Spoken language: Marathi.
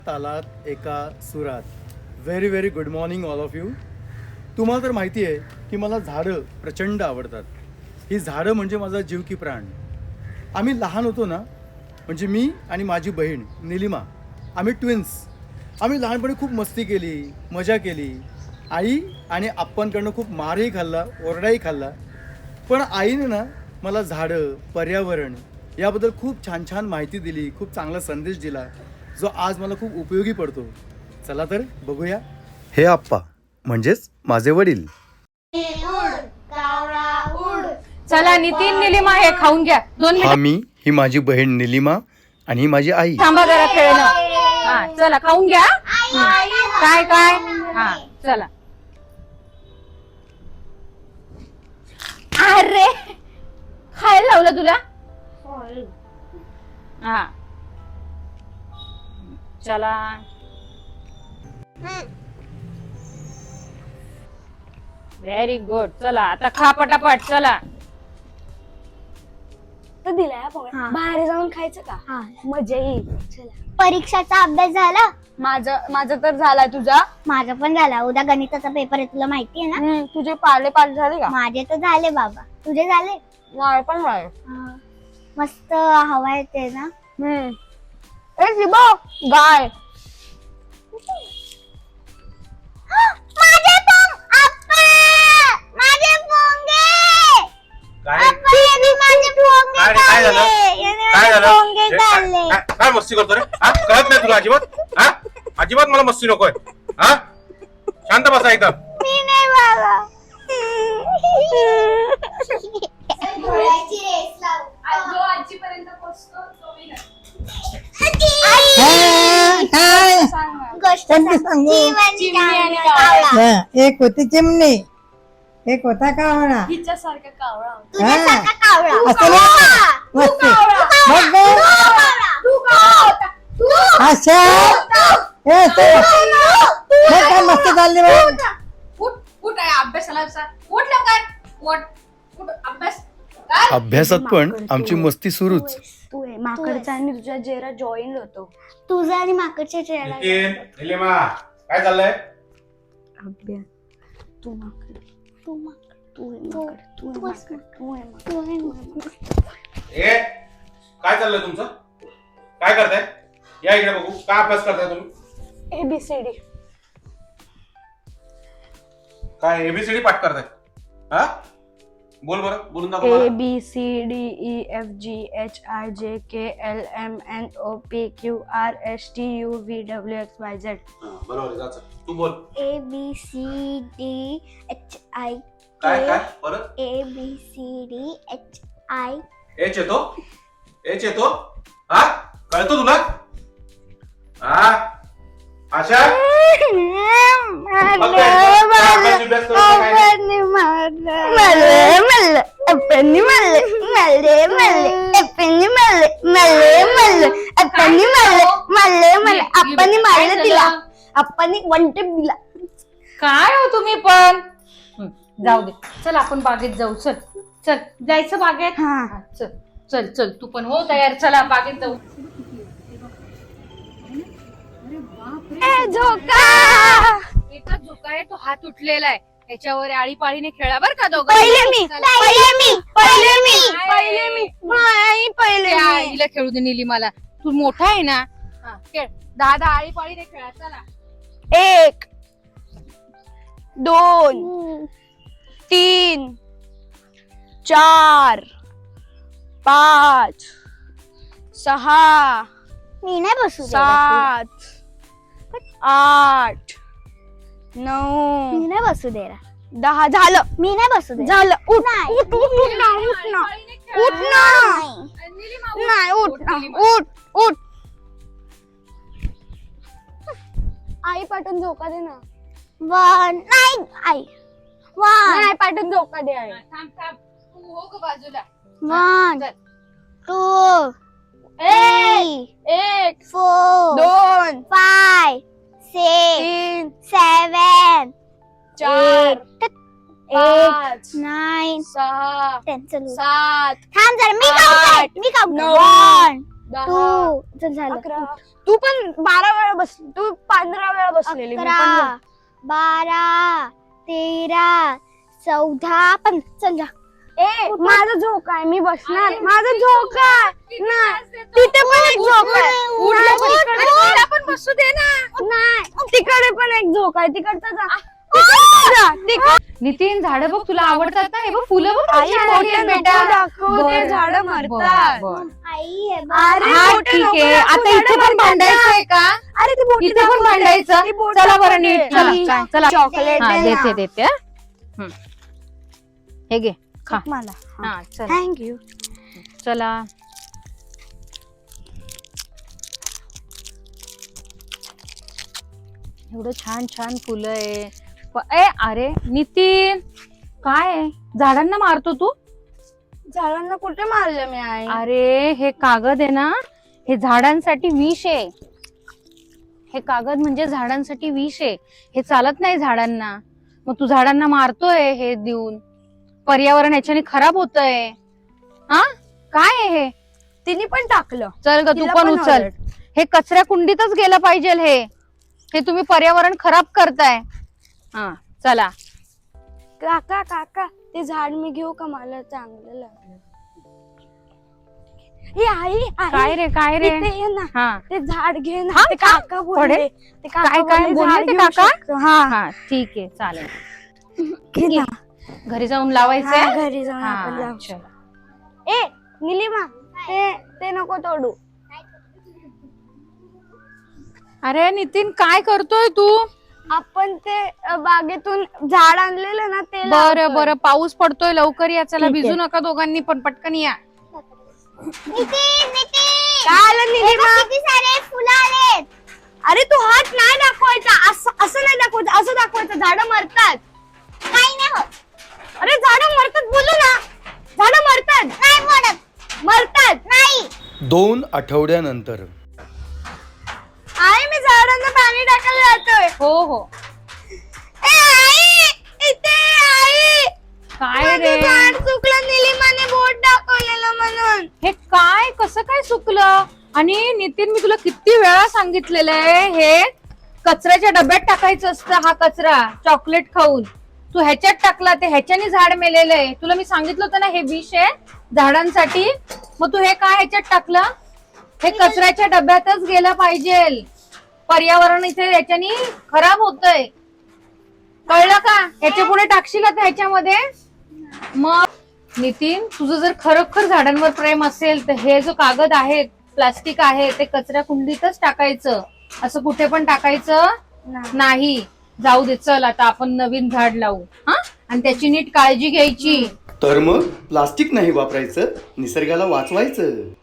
तालात एका सुरात. Very very good morning all of you. तुम्हाला तर माहिती आहे की मला झाडं प्रचंड आवडतात. ही झाडं म्हणजे माझा जीव की प्राण. आम्ही लहान होतो ना, म्हणजे मी आणि माझी बहीण निलिमा, आम्ही ट्विन्स. आम्ही लहानपणी खूप मस्ती केली, मजा केली. आई आणि आप्पांकडनं खूप मारही खाल्ला, ओरडाही खाल्ला. पण आईने ना मला झाडं, पर्यावरण याबद्दल खूप छान छान माहिती दिली, खूप चांगला संदेश दिला, जो आज मला खूप उपयोगी पडतो. चला तर बघूया. हे आप्पा म्हणजेच माझे वडील. चला नितीन, निलिमा हे खाऊन घ्या. 2 मिनिट हा मी, ही माझी बहीण निलिमा आणि ही माझी आई. थांबा जरा खेळणं. हा चला खाऊन घ्या. काय काय हा चला. अरे खायला लावलं तुला. हा चला. Very good. चला आता खा पटापट. चला तर दिलाय बाहेर जाऊन खायचं का? मजा येईल. चला. परीक्षाचा अभ्यास झाला? माझा तर झालाय. तुझा? माझा पण झाला. उद्या गणिताचा पेपर आहे, तुला माहिती आहे ना? तुझे पाले पाठ झाले का? माझे तर झाले बाबा. तुझे झाले? माझे पण झाले. मस्त हवा येते ना. ए शिबा, गाय. माझे पोंग आप्पा, माझे पोंगे. काय आप्पा, यांनी माझे पोंगे काय झालं? खाल्ले. यांनी काय माझे झालं? पोंगे खाल्ले. काय मस्ती करतो रे? हा कळत नाही तुला अजिबात? हा अजिबात मला मस्ती नकोय. हा शांत बसा एकदम. मी नाही बाबा. गोष्ट कोणती सांगू? चिमणी आणि कावळा. एक होती चिमणी, एक होता कावळा. हिच्यासारखा कावळा होता. तुझ्यासारखा कावळा. असं नाही. मस्त. मग काय? अशा ए तू मग काय मस्त चालली मग. उठ आहे अभ्यासाला. उठ लवकर. उठ अभ्यास कर. अभ्यासात पण आमची मस्ती सुरूच. तू आहे माकडचा आणि तुझ्या जेरा जॉईन होतो. तुझा आणि माकडच्या चेहरा. नितीन, निलिमा, काय चाललंय? अभ्यास. तू माकड. तू माकड. तू आहे माकड. तू आहे माकड. तू आहे माकड. तू आहे माकड. ए काय चाललंय तुमचं? काय करताय? या इकडे बघू. काय अभ्यास करताय तुम्ही? ABCD. काय एबीसीडी पाठ करताय? हा बोल बरं, बोलून दाखव मला. ABCDEFGHIJKLMNOPQRSTUVWXYZ. बरोबर आहे, जायचं. तू बोल. ABCDHI. काय काय परत? ABCDHI. एच येतो? एच येतो? हा कळतो तुला? हा आशा आप्पांनी वन टेप दिला. काय हो तुम्ही पण. जाऊ दे. चल आपण बागेत जाऊ. चल चल जायचं बागेत. हा. चल चल चल तू पण हो तयार. चला बागेत जाऊ. झोका. एकच झोका आहे, तो हात उठलेला आहे. त्याच्यावर आळीपाळीने खेळा बर का दोघं. आईला खेळू दे निलिमाला. तू मोठा आहे ना. हा, खेळ. 10 आळीपाळीने खेळा. चला. 1 2 3 4 5 6 मी नाही बसू देणार 7 8 तुला. 9 मी नाही बसू देणार. 10 झालं. मी नाही बसू देणार. झालं. उठ नाही. उठ उठ उठ ना उठ ना आळीपाळीने खेळा. उठ ना. निलिमा, नाही उठ ना निलिमा. उठ उठ. आई पाठवून झोका दे ना. वन. नाही आई. वन. नाही पाठवून झोका दे आई. थांब थांब. तू हो ग बाजूला. वन. चल. 2 3 1 4 2 5 6 3 7 4 8 5 9 6 10. 7 थांब जरा. मी आठ, काउंट. मी काउंट. 9 1 तू चल झालं 11. तू पण 12 वेळा बसली, तू 15 वेळा बसलेली. मी पण 11 12 13 14 15 चल जा. ए माझा झोका आहे, मी बसणार. माझा झोका आहे ना, तिथे पण एक झोका आहे. मला पण बसू दे ना. नाही, तिकडे पण एक झोका आहे. तिकडचा जा, तिकडचा जा, नितीन झाडं बघ तुला आवडतात ना? हे बघ फुलं बघ आई, किती छान मोठे आहेत नको बेटा. दाखवू, ते बरं, झाडं बरं, मरतात. बरं. आई हे बघ. अरे हा मोठे ठीक नको आहे. दाखवू, आता इथे झाडं पण मरतात. भांडायचंय का? अरे ती बोटी इथे पण दाखवते. भांडायचं. ती बोट चला बरं दाखवते. नीट. चला, चला चॉकलेट हा, दे ना. देते हा. हे घे खा. मला हा चला थँक्यू. चला एवढं छान छान फुलं आहे. अरे नितीन काय आहे? झाडांना मारतो तू? झाडांना कुठे मारलं मी आई? अरे हे कागद आहे ना, हे झाडांसाठी विष आहे. हे कागद म्हणजे झाडांसाठी विष आहे. हे चालत नाही झाडांना. मग तू झाडांना मारतोय हे देऊन. पर्यावरण ह्याच्याने खराब होतंय. हा काय आहे हे? तिने पण टाकलं. चल ग तू तिला पण पण उचल. आवडेल. हे कचऱ्या कुंडीतच गेलं पाहिजे. हे तुम्ही पर्यावरण खराब करताय. हा चला काका काका ते झाड मी घेऊ का? मला चांगलं लागलं. हे आई काय रे काय रे? इथे ये ना, हा ते झाड घे ना. हा, ते काका बोलले. पडेल? ते काका काय काय बोलले, बोलले झाड ते घेऊ काका? शकतो. हा हा ठीक आहे चालेल. घे ना. घरी जाऊन लावायचंय. हा, घरी जाऊन आपण हा, लावू. चला. ए निलिमा, ते नको तोडू. अरे नितीन काय करतोय तू? आपण ते बागेतून झाड आणलेलं ना, ते बरं लावतोय. बरं पाऊस पडतोय लवकर या. चला ठीक आहे. भिजू नका दोघांनी पण पटकन या. नितीन काय आलं निलिमा? किती सारे फुलं आलेत. अरे तू हात नाही दाखवायचा, असं नाही दाखवायचं, असं दाखवायचं. झाडं मरतात. काही नाही होत. अरे झाडं मरतात बोलू ना. झाडं मरतात. नाही पडत. मरतात. नाही. 2 आठवड्यानंतर आई मी झाडांना पाणी टाकायला जातोय. हो हो ए आई, इथे आई. काय माझं रे? झाड चुकलं, निलिमाने बोट दाखवलेलं म्हणून. हे काय कसं काय सुकलं? आणि नितीन मी तुला किती वेळा सांगितलेलं आहे हे कचऱ्याच्या डब्यात टाकायचं असतं. हा कचरा चॉकलेट खाऊन तू ह्याच्यात टाकला, ते ह्याच्याने झाड मेलेलं आहे. तुला मी सांगितलं होतं ना हे विष आहे झाडांसाठी. मग तू हे काय ह्याच्यात टाकलं? हे कचऱ्याच्या डब्यातच गेलं पाहिजे. पर्यावरण इथे ह्याच्यानी खराब होतंय. कळलं का? ह्याच्या पुढे टाकशील आता ह्याच्यामध्ये. मग नितीन तुझं जर खरोखर झाडांवर प्रेम असेल तर हे जो कागद आहे, प्लास्टिक आहे, ते कचऱ्या कुंडीतच टाकायचं. असं कुठे पण टाकायचं नाही. जाऊ दे चल आता आपण नवीन झाड लावू. हा आणि त्याची नीट काळजी घ्यायची. तर मग प्लास्टिक नाही वापरायचं, निसर्गाला वाचवायचं.